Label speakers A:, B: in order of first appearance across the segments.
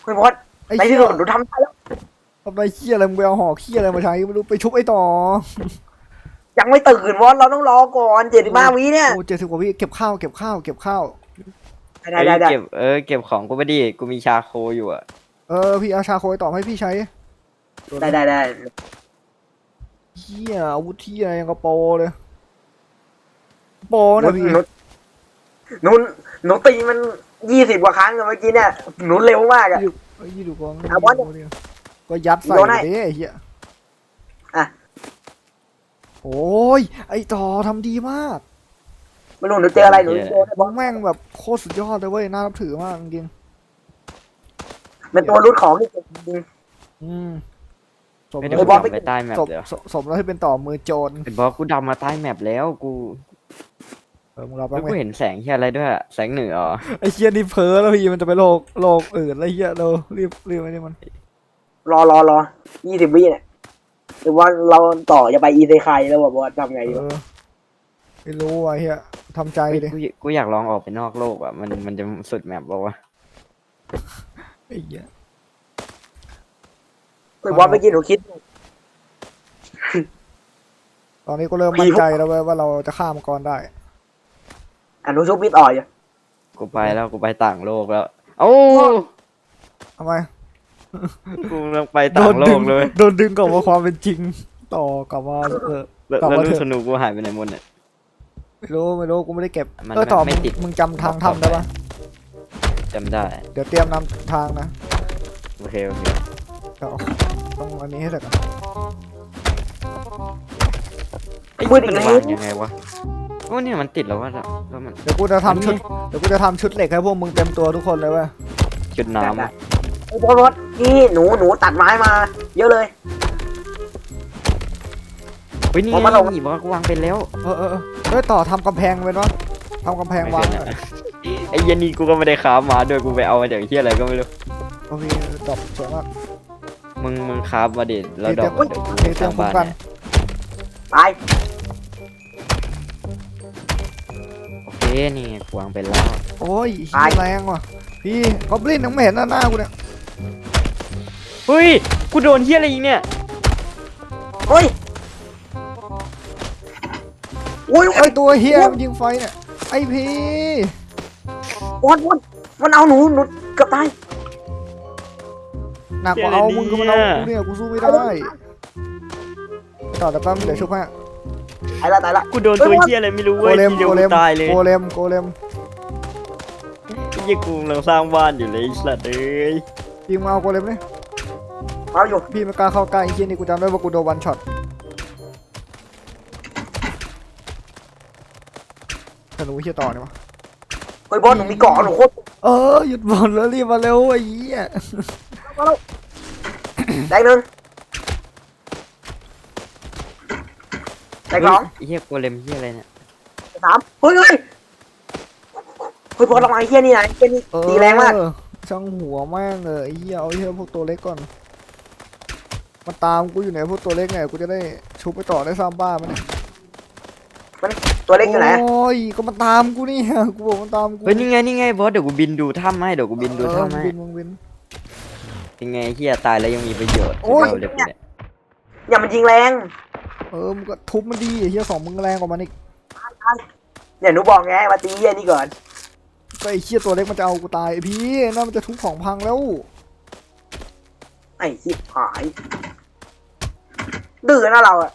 A: คุณพอด
B: ไอ้
A: ในที่
B: เหี้ย
A: สุดหนูทำได้แล้ว
B: ทำไมเหี้ยอะไรมึงไปเอาหอกเหี้ยอะไรมาใช้ไม่รู้ไปชุบไอ้ต่อ
A: ยังไม่ตื่นวอดเราต้องรอก่อน75 วิเนี่ย
B: โอ้70 กว่าวิเก็บข้าวเก็บข้าวเก็บข้าว
A: ได้ได้ได้
C: เก็บของกูไปดิกูมีชาโคอยู่อะ
B: พี่เอาชาโคยต่อให้พี่ใช้
A: ได้ได้ได้
B: เหี้ยอาวุธเหี้ยยังกระโปรเลยโปรนะพี่
A: หนูหนูตีมัน20 กว่าครั้งเมื่อกี้เนี่ยหนูเร็วมากอะ
B: ยี่ดูกอง
A: เอาบอล
B: ก็ยัดใส่
A: โยนให้
B: ไปดิไอ้เหี้ย
A: อ่ะ
B: โอ้ยไอ้ต่อทำดีมาก
A: ไม่รู้หนูเจออะไรหนูโดนไอ้บ
B: มึ
A: อล
B: งแม่งแบบโคตรสุดยอดเลยเว้ยน่านับถือมากจริง
A: เป็นตัวรุดของที่เก่งจริง
B: ๆสม
C: ไม่
B: แล้
C: ได้
B: ว
C: กูดำไปใต้แมป
B: สม
C: เดี๋ยว
B: สมแล้วที่เป็นต่อมือโจร
C: เป็นบอสกูดำมาใต้แมปแล้วกู
B: มึงรับ
C: แล้
B: บ้าว งไหม
C: กูเห็นแสงที่อะไรด้วยอะแสงเหนืออ๋อ
B: ไอ้เหี้ยนี่เพ้อแล้วพี่มันจะไปโลกอื่นแล้วเหี้ยเรารีบไอ้นี่มัน
A: รอ20 วิเนี่ยหรือว่าเราต่อจะไปอีเซไคแล้วบอกว่าทำไงดีวะ
B: ไม่รู้ไอ้เหี้ยทำใจดิ
C: กูอยากลองออกไปนอกโลกอะมันจะสุดแมปบอกว่า
B: ไอ้เหี้ย
A: ไอ้บอลเมื่อกี้หนูคิด
B: ตอนนี้ก็เริ่มมั่นใจแล้วเว้ยว่าเราจะฆ่ามังกรได้
A: หนูชุบมิดอ่อยอยู่
C: กูไปแล้วกูไปต่างโลกแล้วโอ้
B: ทำไม
C: กูต้องไปต่างโลกเลย
B: โดนดึงกลับมาความเป็นจริง ต่อกลับมา
C: แล้ว
B: กลับ
C: แล้ว
B: มา
C: ลู
B: เถ
C: ก
B: อะ
C: สนุกกูหายไปไหนหมดเนี่ย
B: ไม่รู้กูไม่ได้เก็บ
C: มัน
B: ต่อ
C: ไม่ติด
B: มึงจำทางถ้ำได้ปะ
C: จำได้
B: เดี๋ยวเตรียมนำทางนะ
C: โอเค
B: เอาต้องอันนี้ให้เสร็จก่อน
C: ไอ้ยมันวางยังไงวะโอ้เนี่ยมันติดแล้ววะแล้วมัน
B: เดี๋ยวกูจะทำชุดเหล็กให้พวกมึงเต็มตัวทุกคนเลยเว้ย
C: จุดน้ำอะ
A: ไอ้บอลรถนี่หนูตัดไม้มา เยอะเลย
C: เฮ้ยนี่
A: ผมมาลง
C: บอกว่ากูวางเป็นแล้ว
B: เฮ้ยต่อทำกำแพงเป็นวะทำกำแพงวาง
C: ไม่เป็นอะ ไอ้เหี้ยันนี่กูก็ไม่ได้ค้าฟมาด้วยกูไปเอามาจากที่อะไรก็ไม่รู้
B: โอเคดอกสวยมาก
C: มึงค้าฟมาดิแล้วดอก
B: เฮ้ย
C: เดี๋ยวกู
B: เตรียม
C: สร้าง
B: คุ้ม
C: บ้าน
B: กัน
C: เนี่ย
A: ตาย
C: โอเคนี่กูวางเป็นแล้ว
B: โอ้ยเหี้ยแรงว่ะพี่กอบลินยังไม่เห็นหน้ากูเนี่ย
C: เฮ้ยกูโดนเหี้ยอะไรอีกเนี่ย
A: เฮ้ยอุ้ย
B: ไอตัวเฮียมันยิงไฟเนี่ยไอพี่
A: บอลมันเอาหนูเกือบตาย
B: หนักกว่าเอามึงก็มาเอากูเนี่ยกูสู้ไม่ได้ต่อแต่แป๊บเดี๋ยวชุบให้
A: ตายละตายละ
C: กูโดนตัวเหี้ยอะไรไม่รู้
B: โก
C: เว้ย
B: เลม
C: ทีเดียว
B: โกเล
C: กู
B: ม
C: ตายเลย
B: โกเลม
C: ไอ้เหี้ยกูกำลังสร้างบ้านอยู่เลยไอ้สัตว์เอ้ย
B: ยิงมาเอาโกเลมเนี่ย
A: เอาอยู่
B: พี่ไม่กล้าเข้าใกล้ไอ้เฮียนี่กูจำได้ว่ากูโดนวันช็อตธนูเฮียต่อเนี่ยวะ
A: เฮ้ยบอลหนูมีเกาะหนูโคตร
B: หยุดบอลแล้วรีบมาเร็วไอ้เหี้ย
A: มาแล้วได้หนึ่งได้สอง
C: ไอ้เหี้ยโกเลมเหี้ยอะไรเนี่ย
A: ได้สามเฮ้ยบอลลงมาไอ้เฮียนี่นะไอ้เฮียนี่ตีแรงมาก
B: ช่างหัวแม่งเลยไอ้เหี้ยเอาไอ้เหี้ยพวกตัวเล็กก่อนมันตามกูอยู่ไหนพวกตัวเล็กไงกูจะได้ชุบไปต่อได้สร้างบ้านมันเนี่ย
A: ตัวเล็กอยู่ไหน
B: โอ้ยก็มันตามกูนี่กูบอกมันตามกู
C: เฮ้ยนี่ไงบอสเดี๋ยวกูบินดูถ้ำให้เดี๋ยวกูบินดูถ้ำให้
B: มึงบิน
C: ยังไงเหี้ยตายแล้วยังมีประโยชน์
B: โอ้ย
C: เดี๋ยวกูเนี่ย
A: อย่ามันยิงแรง
B: มึงก็ทุบมันดีไอ้เหี้ยสองมึงแรงกว่ามันอีก
A: เนี่ยหนูบอกไงมาตีเฮียนี่ก่อน
B: ก็ไอ้เหี้ยตัวเล็กมันจะเอากูตายไอ้พี่นั่นมันจะทุบของพังแล้ว
A: ไอ้ชิบหายดื้อนะเราอะ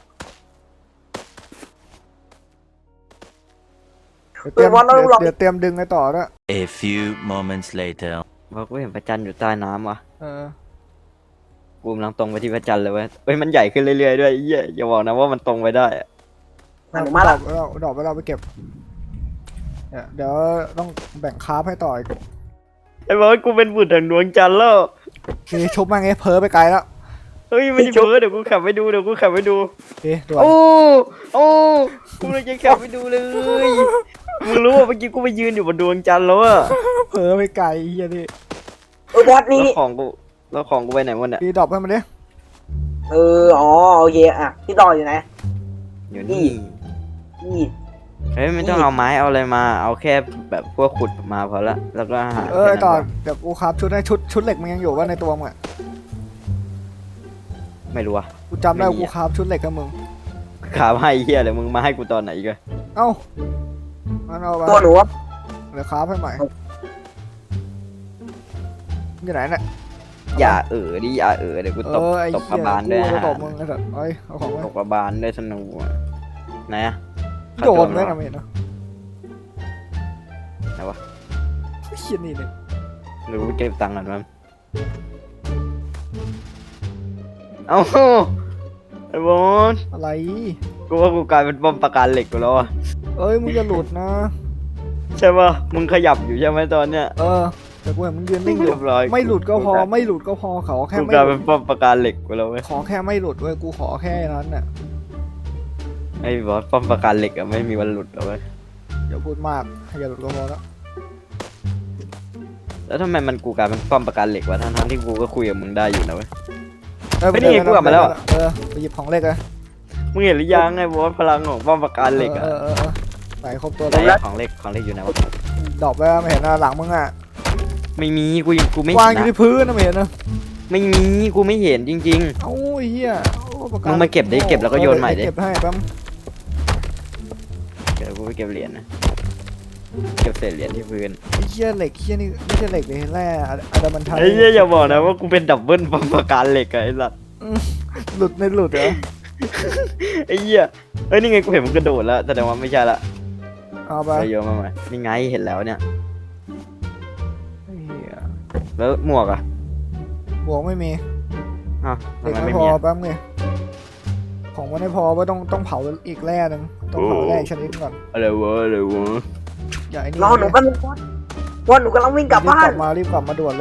B: เดี๋ยวเตรียมดึงไอ้ต่อด้วย
D: A few moments later.
C: บอกกูเห็นพระจันทร์อยู่ใต้น้ำว่ะ
B: เออ
C: กูกำลังตรงไปที่พระจันทร์เลยเว้ยเฮ้ยมันใหญ่ขึ้นเรื่อยๆด้วยไอ้เหี้ยอย่าบอกนะว่ามันตรงไปได้อะ
A: หนูมาละ
B: ดอกไปเราไปเก็บเนี่ยเดี๋ยวต้องแบ่งคาร์ฟให้ต่ออีก
C: ไอ้บอสกูเป็นบุตรแห่งดวงจันทร์แล้ว
B: นี่ชุบมาไงเพ้อไปไกลแล้ว
C: เฮ้ยไม่ได้เพ้อเดี๋ยวกูขับไปดูด่วน
B: ด่วน
C: โอ้กูเลยจะขับไปดูเลยมึงรู้ว่าเมื่อกี้กูไปยืนอยู่บนดวงจันทร์แล้วอะ
B: เพ้อไปไกลเฮียนี่
A: บอสนี่
C: แล้วของกูไปไหนหมดเนี่ย
B: พี่ดรอปให้มันดิ
A: อ๋อโอเคอ่ะพี่ต่ออยู่ไหน
C: อยู่นี่
A: นี่
C: เฮ้ยไม่ต้องเอาไม้เอาอะไรมาเอาแค่แบบพวกขุดมาพอละแล้วก็หา
B: ไอ้ต่อ
C: แค่นั้นพ
B: เดี๋ยวกูครับชุดให้ชุดเหล็กมันยังอยู่ว่าในตัวมึงอะ
C: ไม่รู้อะ
B: กูจำได้
C: ไม่มี
B: กู
C: อะ
B: ครับชุดเหล็กกับมึง
C: ขาให้เฮียเลยมึงมาให้กูตอนไหนอีกัน
B: เอ้ามันเอาไป
A: ตัวหนูว่า
B: เดี๋ยวครับให้ใหม่อยู่ไหนเนี่ย
C: อย่าดิอย่าเดี๋ยวกูตบ
B: ไอ้
C: ตบก
B: เหี้
C: ระ
B: ย
C: บาลด้วย
B: กู
C: ฮะ
B: จะตบมึงไอ้สัสเอ้ยเอาของไว้
C: ตบกระบาลด้วยธนูอะไหนอะ
B: โยนไว้นะไม่เห็นเหรอ
C: ไหนวะ
B: ไอ้เหี้ยนี่เนี่ย
C: หรือกูเก็บตังค์ก่อนมั้งเอ้าไอ้บอล
B: อะไร
C: กูว่ากูกลายเป็นป้อมปราการเหล็กกูแล้วอะ
B: เอ้ยมึงจะหลุดนะ
C: ใช่ป่ะมึงขยับอยู่ใช่ไหมตอนเนี้ย
B: แต่กูเห็นมึงยืนนิ่งอยู่
C: เรียบร้อย
B: ไม่หลุดก็พอไม่หลุดก็พอเขาแค่
C: กู
B: ไม่
C: กลาย
B: หลุ
C: เป็
B: ด
C: นป้อมปราการเหล็กกูแล้วเว้ย
B: ขอแค่ไม่หลุดเว้ยกูขอแค่นั้นน่ะ
C: ไอ้บอสป้อมปราการเหล็กอะไม่มีวันหลุดหรอกเว้ย
B: อย่าพูดมากอย่าหลุดก็พอแล้ว
C: แล้วทำไมมันกูกลายเป็นป้อมปราการเหล็กวะทั้งที่กูก็คุยกับมึงได้อยู่นะเว้ย
B: เอ้ย
C: ไม่นี่ไงกูกลับมาแล้ว
B: ไปหยิบของเล็กเลย
C: มึงเห็นหรือยังไอ้บอสพลังของป้อมปราการเหล็กอะ
B: ใส่ครบตัว
C: ไหน
B: แล้ว
C: อะของเหล็กอยู่ไหนวะ
B: ดอกไปไม่เห็นนะหลังมึงอ่ะ
C: ไม่มีกูไม่
B: วา
C: เห็
B: ง
C: น
B: อยู่
C: นะ
B: ที่พื้นนะไม่เห็นนะ
C: ไม่มีกูไม่เห็นจริง
B: เอ้าไอ้เหี้ยโอ้ประก
C: มึงมาเก็บดิเก็บแล้วก็โยนใหม่ดิ
B: เก็บให้แป๊บ
C: ๆเดี๋ยวกูไปเก็บเหรียญนะเก็บเศษเหรียญที่พื้น
B: ไอ้เหี้ยเหล็กเหี้ยนี่ไม่ใช่เหล็กเลยแร่อะดามันไทย
C: ไอ้เหี้ยอย่าบอกนะว่ากูเป็นดับเบิลป้อมปราการเหล็กอะไอ้สัส
B: หลุดในหลุดเหรอ
C: ไอ้เหี้ยเอ้ยนี่ไงกูเห็นมันกระโดดแล้วแสดงว่าไม่ใช่ละ
B: เอาไป
C: ไปโยนมาใหม่นี่ไงเห็นแล้วเนี่ย
B: ไอ้เหี้ย
C: แล้วหมวกอะ
B: บวกไม่มี
C: อ้าว
B: เหล็ก
C: ทำไม
B: ไม่
C: ไม่
B: พ
C: มี
B: อ
C: อะ
B: แป๊บนึงของมันไม่พอว่าต้องเผาอีกแร่หนึงต้องเผาแร่อีกชนิดก่อน
C: อะไรวะ
B: อย่าไอ้นี่
A: รอหนูกันงว่าหนูกำลังวิ่งกลับบ้าน
B: รีบกลับมาด่วนเลย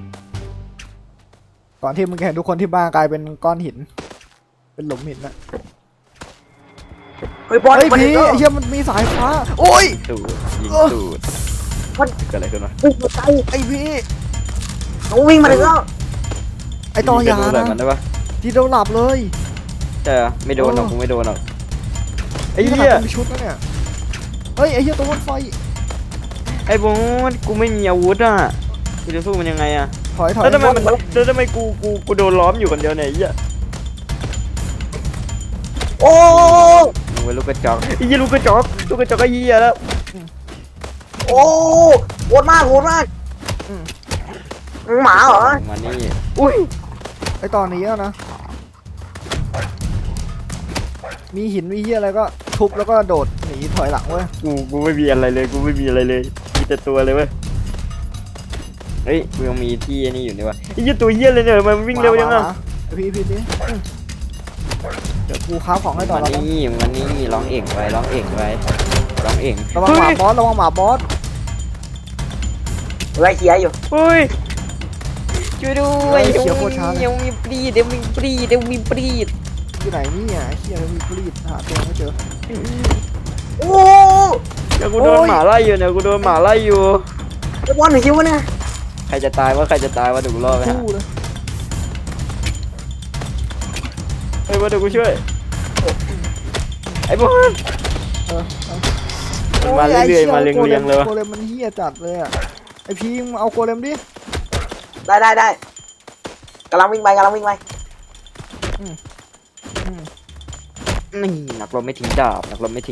B: ก่อนที่มึงจะเห็นทุกคนที่บ้านกลายเป็นก้อนหิน เป็นหลุมหินนะ
A: เฮ้ยบอล
B: เฮ้ย
A: มัน
B: พี่
A: ก็
B: ไอ้เหี้ยมันมีสายฟ้า โอ้ย
C: ตูดยิง
B: เออ
C: ตูดเกิดอะไรขึ้นวะ
A: วิ่งมาไกล
B: ไอ้พี่
A: หนูวิ่งมาถึงแล้ว
B: ไอ้ต่อยา
C: มีกระดูกอะไร
B: นะ
C: มันได้ปะ
B: ที่เราหลับเลย
C: ใช่เหรอไม่โดนหรอกกูไม่โดนหรอกไอ้
B: นี่ข
C: เหี้ย
B: นาดมีชุดนะเนี่ย เฮ้ยไอ้เหี้ยตัวบนไฟ
C: ไอ้บอสกูไม่มีอาวุธอ่ะกูจะสู้มันยังไงอ่ะ
B: ถอย
C: แล้วทำไมมันแล้วทำไมกูโดนล้อมอยู่คนเดียวเนี่ยไอ้เหี้ย
A: โอ้
C: มึงเป็นลูกกระจอกไอ้เหี้ยลูกกระจอกไอ้เหี้ยแล้ว
A: โอ้โหดมากหมาเหรอ
C: มานี่อุ้ย
B: ไอ้ตอนนี้อะนะ มีหินมีเหี้ยอะไรก็ทุบแล้วก็โดดหนีถอยหลังเว้ย
C: กูไม่มีอะไรเลยกูไม่มีอะไรเลยมีแต่ตัวเลยเว้ยเฮ้ยกูยังมีที่ไอ้นี่อยู่นี่วะไอ้เหี้ยตัวเหี้ยเลยเนี่ยมันวิ่งเร็วยังอ่ะ
B: มาพี่ดิเดี๋ยวกูค้าของให้ต่อ
C: มา
B: แล้ว
C: นี่ร้องเอ่งไประวังหมา
B: บอสระวังหมาบอส
A: ไล่เคียร์อยู่
C: เฮ้ยช่วยด้วย
B: เขียวโคตรช้าเลย
C: เดี๋ยวมีปรีด
B: อยู่ไหนเนี่ยไอ้เหี้ยมีกรีดหาตัวไม่เจอ
A: โอ้
C: เดี๋ยวกูโดนหมาไล่อยู่เนี่ยกูโดนหมาไล่อยู่
A: ไอ้บอลหนูคิดว่าเนี่ย
C: ใครจะตายวะเดี๋ยวกูรอดไปฮะ
B: คู่เลย
C: เฮ้ยมาเดี๋ยวกูช่วยไอ้บอล
B: เออ
C: มันมาเรื่อยๆมาเรียงๆเลยวะ
B: โกเลมมันเหี้ยจัดเลยอ่ะไอพีมงเอาโกเลมดิ
A: ได้กำลังวิ่งไป
C: นี่นักรบไม่ทิ้งดาบ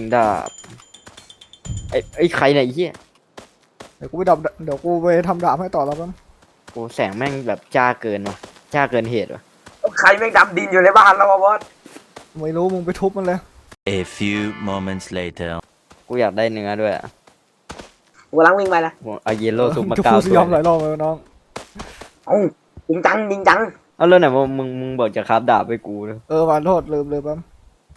C: ไอ้ใครเนี่ยไอ้เหี้ย
B: เดี๋ยวกูไปทำดาบให้ต่อแล้วมั้ง
C: โอ้แสงแม่งแบบจ้าเกินเหตุวะ
A: ใครแม่งดำดินอยู่ในบ้านแล้ววะบอส
B: ไม่รู้มึงไปทุบมันเลย
D: A few moments later.
C: กูอยากได้เนื้อด้วยอะ
A: กูกำลังวิ่งไปนะ
C: เอาเยลโล่ซุปมา
B: จะ
C: เก้า
B: พูดส
C: ตัวย
B: อมหลายรอบเลยน้อง
A: เอ้าจริงจัง
C: เอาแล้วไหนมึงบอกจะคราฟดาบให้กูเลย
B: หวานโทษลืมเลยปั๊ม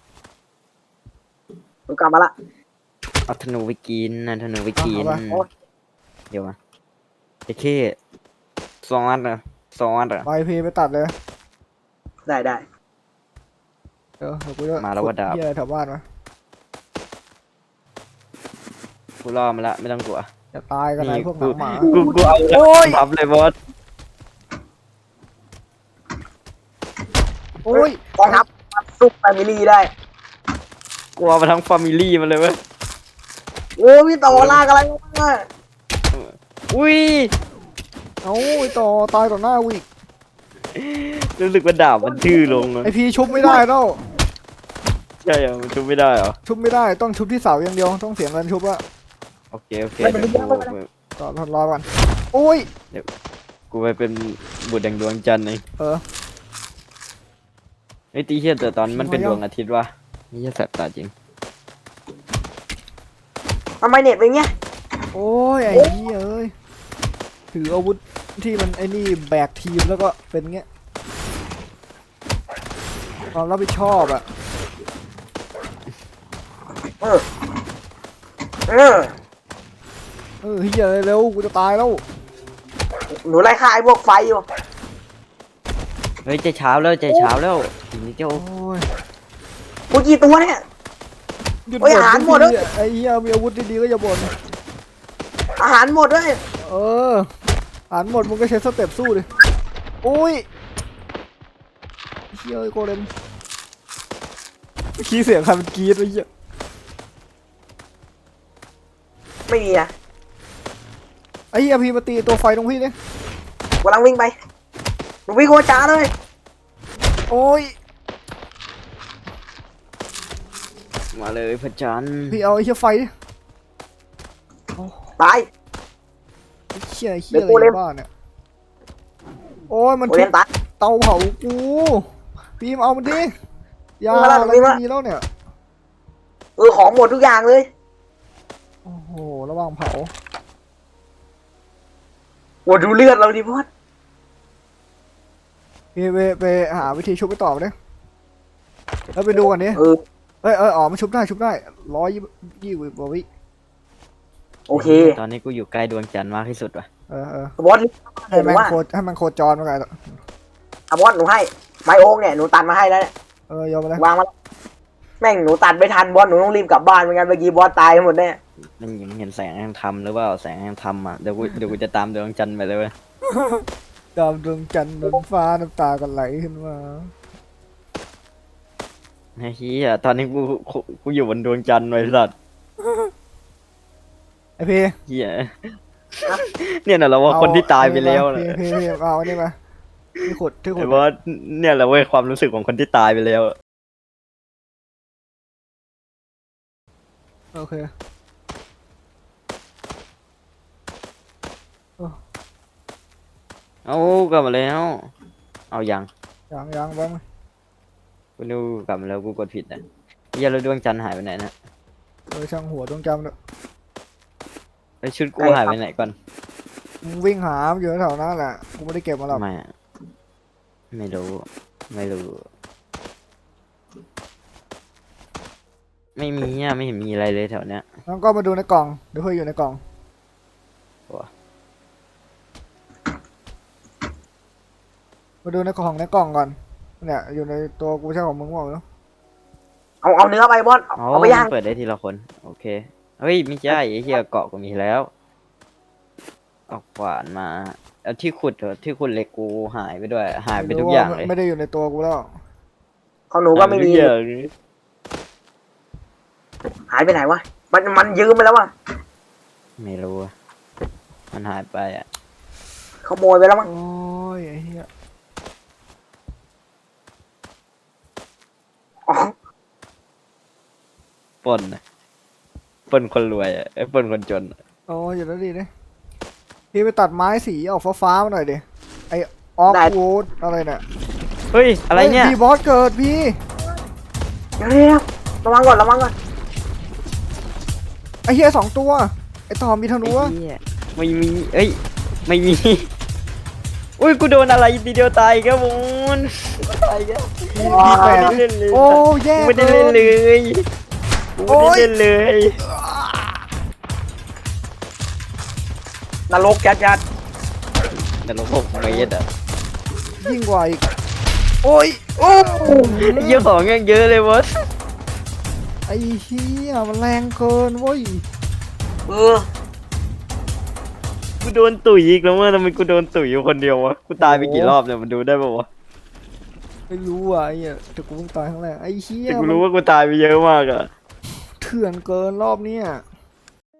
A: กูกลับมาละ
C: เอาธนูไปกินนะธนูไปกิน
A: โอ้ย
C: เดี๋ยวมาไอ้เข้2 อันเหรอ
B: ไปพีไปตัดเลย
A: ได้
B: เดี๋ยวกูจะ
C: มาแล้วว่าดาบ
B: เหี้ยอะไรแถวบ้านวะ
C: กูรอมาละไม่ต้องกลัว
B: จะตายกันไอ้พวกหนังหมา
C: กูเอา
B: โอ้ย
C: ทับเลยบอส
B: โอ้ย
A: กองทัพซุปแฟมิลี่ได้
C: กูเอามาทั้งฟามิลี่มันเลยเว้ย
A: โอ้พี่ต่อลากอะไรมา
C: อุ้ย
B: เอ้าไอ้ต่อตายต่อหน้ากูอีก
C: รู้สึกว่าดาบมันทื่อลงอะ
B: ไอพีชุบไม่ได้แล้ว
C: ใช่เหรอมันชุบไม่ได้เหรอ
B: ชุบไม่ได้ต้องชุบที่เสาอย่างเดียวต้องเสียเงินชุบอะ
C: โอเคโอเคเดี๋ยวกู
B: ต่อรอก่อนโอ้ย
C: กูไปเป็นบุตรแห่งดวงจันทร์เอง
B: เออ
C: ไอ้ตีเชี่ยแต่ตอนมันเป็น
B: ทำไม
C: ด
B: อ่ะ
C: วงอาทิตย์วะนี่จะแสบตาจริง
A: ทำไมเน็ตเป็นเงี้ย
B: โอ้ยไอ้เหี้ยเอ้ยถืออาวุธที่มันไอ้นี่แบกทีมแล้วก็เป็นเงี้ยความรับผิดชอบอะ
A: เออเออ
B: เหี้ยเร็วกูจะตายแล้ว
A: หนูไล่ฆ่าไอ้พวกไฟอยู่
C: เฮ้ยใจเช้าแล้วใจเช้าแล้วทีนี้เจ้า
B: โอ้ย
A: กูกี่ตัวเนี่ย
B: หยุด
A: โอ้ย
B: บ่น
A: อาหารหมด
B: ทุ
A: แล้
B: ก
A: ว
B: ทีไอ้เหี้ยมีอาวุธดีๆก็อย่าบ่น
A: อาหารหมดด้วย
B: เอออาหารหมดมึงก็ใช้สเต็ปสู้ดิโอ้ยเหี้ยโกเลมขี้เสียงใครมันกรี๊ดไอ้เหี้ย
A: ไม่มีอะ
B: ไอ้เหี้ยพี่มาตีตัวไฟตรงพี่เนี่ย
A: กำลังวิ่งไปหนูวิ่งโคจ้าเลย
B: โอ้ย
C: มาเลยพระจันทร์
B: พี่เอาไอ้เหี้ยไฟดิ
A: ตาย
B: ไอ้เหี้ยไอ้เหี้
A: เดี๋
B: ย
A: ยว
B: อะ
A: กู
B: ไร
A: เล่น
B: บ้านเนี่ยโอ้ยมัน
A: โอ
B: ทุ
A: เรีย
B: บ
A: นตาย
B: เตาเผากูพี่มาเอามันดิยา
A: วิ่งมาแล้ว
B: อะไร
A: วิ่งมา
B: ไม่มีแล้วเนี่ย
A: ของหมดทุกอย่างเลย
B: โอ้โหระวังเผา
A: โอ้ดูเลือดเราดิพอด
B: พี่ไปหาวิธีชุบไปต่อมาดิแล้วไปดูกันดิ
A: เออ
B: อ๋อมันชุบได้120 กว่าวิ
A: โอเค
C: ตอนนี้กูอยู่ใกล้ดวงจันทร์มากที่สุดว่ะ
A: บอส
B: ให้
A: หนู
B: แม่ง
A: ว่า
B: ให้มันโคจรมาไง
A: บอสหนูให้ไมโอ๊กเนี่ยหนูตัดมาให้แล้วเนี่ย
B: ยอมไปเลยว
A: างมาแล้วแม่งหนูตัดไม่ทันบอสหนูต้องรีบกลับบ้านไม่งั้นเมื่อกี้บอสตายหมดแน่
C: นั่นยังเห็นแสงแห่งธรรมหรือว่าแสงแห่งธรรมอ่ะเดี๋ยวกูจะตามดวงจันทร์ไปเลยเว้ย
B: ดาวดวงจันทร์ดวงฟ้าน้ำตากันไหลขึ้นมา
C: ไอ้เหี้ยตอนนี้กูอยู่บนดวงจันทร์ไว้สัตว์
B: ไอพี่
C: เหี้ยเนี่ยน่ะเราว่าคนที่ตายไปแล้วนะ
B: พี่เอาอันนี้มาที่ขุด
C: ไอ้บอสเนี่ยแหละเว้ยความรู้สึกของคนที่ตายไปแล้วอะ
B: โอเค
C: เอากลับมาแล้วเอายัง
B: ยังบ้างไหม
C: กูนึกกลับมาแล้วกูกดผิดอ่ะเหี้ยแล้วดวงจันทร์หายไปไหนนะ
B: ช่างหัวดวงจำเนอะ
C: แล้วชุดกูหายไปไหนก่อน
B: มึงวิ่งหาอยู่แถวนั้นแหละกูไม่ได้เก็บมาหรอก
C: ไม่อะไม่รู้ไม่รู้ไม่มีอ่ะไม่เห็นมีอะไรเลยแถวเนี้ย
B: แล้วก็มาดูในกล่องเดี๋ยวเพื่ออยู่ในกล่อง
C: ว้า
B: มาดูในกล่องก่อนเนี่ยอยู่ในตัวกูใช่ของมึงบอกเนาะ
A: เอาเนื้อไปบอส
C: อ๋อ
A: เอาไปย่าง
C: มันเปิดได้ทีละคนโอเคเฮ้ยไม่ใช่ไอ้เหี้ยเกาะกูมีแล้วเอาขวานมาเอาที่ขุดเหรอที่ขุดเหล็กกูหายไปด้วยหายไปทุกอย่างเลย
B: ไม่ได้อยู่ในตัวกูแล้ว
A: ของหนูก็ไม่มี
C: หายปทุอย่างเลย
A: หายไปไหนวะมันยืมไปแล้ววะ
C: ไม่รู้อะมันหายไปอ่ะ
A: ขโมยไปแล้วมั้ง
B: โอ้ยไอ้เหี้ย
A: อ๋อ
C: ปล้นน่ะปล้นคนรวยอ่ะไอ้ปล้นคนจนอะ
B: โอ้ยอยู่แล้วดีเนี่ยพี่ไปตัดไม้สีออกฟ้าๆมาหน่อยดิไอออฟวูดอะไรเนี่ย
C: เฮ้ยอะไรเนี่ย
B: พี่บอสเกิดพี่
A: เดี๋ยวระวังก่อน
B: ไอเฮีย2 ตัวไอต่อมีธนู
C: ไอ้
B: วะ
C: เหี้ยไม่มีเอ้ยไม่มีอุ้ยกูโดนอะไรทีเดียวตายอีครับมูนตายอีกแล้ว
B: มี
C: ไม่
B: แปด
C: ได้เล่นเลย
B: โอ้แย่
C: กูไม่ได้เล่นเลยกูไม่ได้เล่นเลย
A: นรกจัด
C: แต่เราพกเมตรอ่ะ
B: ยิ่งกว่าอีกโอ้ยโอ้
C: เยอะของยังเยอะเลยวะ
B: ไอเฮียมันแรงเกินเว้ย
A: ๆเออ
C: กูโดนตุ๋ยอีกแล้วเมื่อทำไมกูโดนตุ๋ยอยู่คนเดียววะกูตายไปกี่รอบเนี่ยมันดูได้ป่าวะ
B: ไม่รู้อ่ะไอ้เหี้ยแต่กูเพิ่งตายครั้งแรกไอ้เฮีย
C: แต่กูรู้ว่ากูตายไปเยอะมากอะ
B: เถื่อนเกินรอบเนี้ย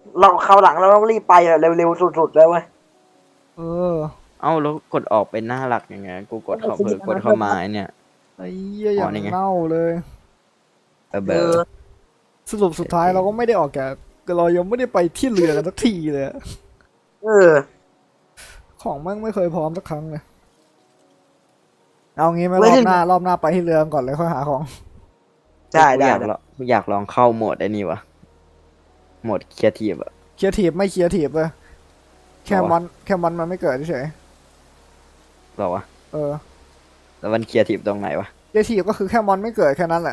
A: เราคราวหลังเราต้องรีบไปอะเร็วๆสุดๆแล้วเว้ย
B: เออ
C: เอ้าแล้วกดออกเป็นหน้าหลักยังไงกูกดเข้าเพิ่มกดเข้ามาไอ้เนี่ย
B: ไอ้เหี้ยอย่าง
C: นี่ไง
B: เน่าเลย
C: เบอร์
B: สรุปสุดท้ายเราก็ไม่ได้ออกแกเรายังไม่ได้ไปที่เรือกันสักทีเลยอะ
A: เออ
B: ของแม่งไม่เคยพร้อมสักครั้งเลย เอางี้ไหม
A: ไม่
B: รอ
A: ได้
B: บหน้ารอบหน้าไปที่เรือก่อนเลยค่อยหาของ
A: ได้
C: กู
A: ได้
C: อยากลองกูอยากลองเข้าโหมดไอ้นี่วะโหมดครีเอทีฟอะ
B: เคลียร์ทีบไม่เคลียร์ทีบเลยแค่
C: เอาวะ
B: มันมันไม่เกิดเฉย
C: หรอวะ
B: เออ
C: แล้วมันครีเอทีฟตรงไหนวะ
B: เคลียร์ทีบก็คือแค่มอนไม่เกิดแค่นั้นแหละ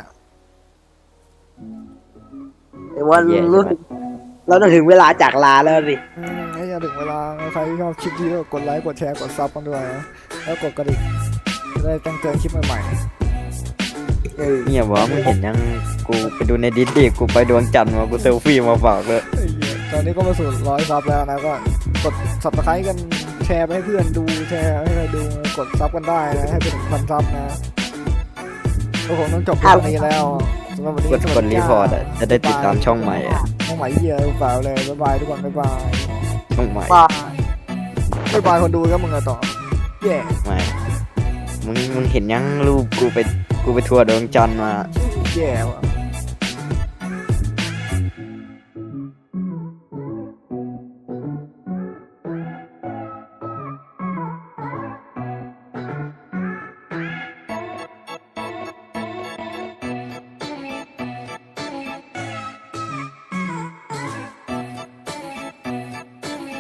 A: แต่ว่า
C: แย่
A: รู้
C: ใช่ไหม
A: สึกเราต้องถึงเวลาจากลาแล้วสิ
B: ไอ้ยาถึงเวลาใครที่ชอบคลิปนี้ก็กดไลค์กดแชร์กดซับกันด้วยนะแล้วกดกระดิ่งจะได้แจ้งเตือนคลิปใหม่ๆ
A: เออ
C: เนี่ยวะมึงเห็นยังกูไปดูในดิสดิกูไปดวงจันทร์มากูเซลฟี่มาฝากเลย
B: ไอ้เหี้ยตอนนี้ก็มาสู่100 ซับแล้วนะก็กด subscribe กันแชร์ไปให้เพื่อนดูแชร์ให้ใครดูกดซับกันได้นะให้ไปถึง1,000 ซับนะก็คงต้องจบเรื่องนี้แล้วสำหรับวันนี้
C: กด
B: สวั
C: ก
B: ส
C: ด
B: ดี
C: รีพอร์ตอะจะได้ติดตามช่องใหม่อะ
B: ช่องใหม่เหี้ยเปล่าเลยบ๊ายบายทุกคนบ๊ายบาย
C: ช่องใหม่
A: ว่า
B: บ๊ายบายคนดูก็มึงอะต่อแย่
C: ไม่มึงเห็นยังรูปกูไปทัวร์ดวงจันทร์มา
B: แย่ว่ะ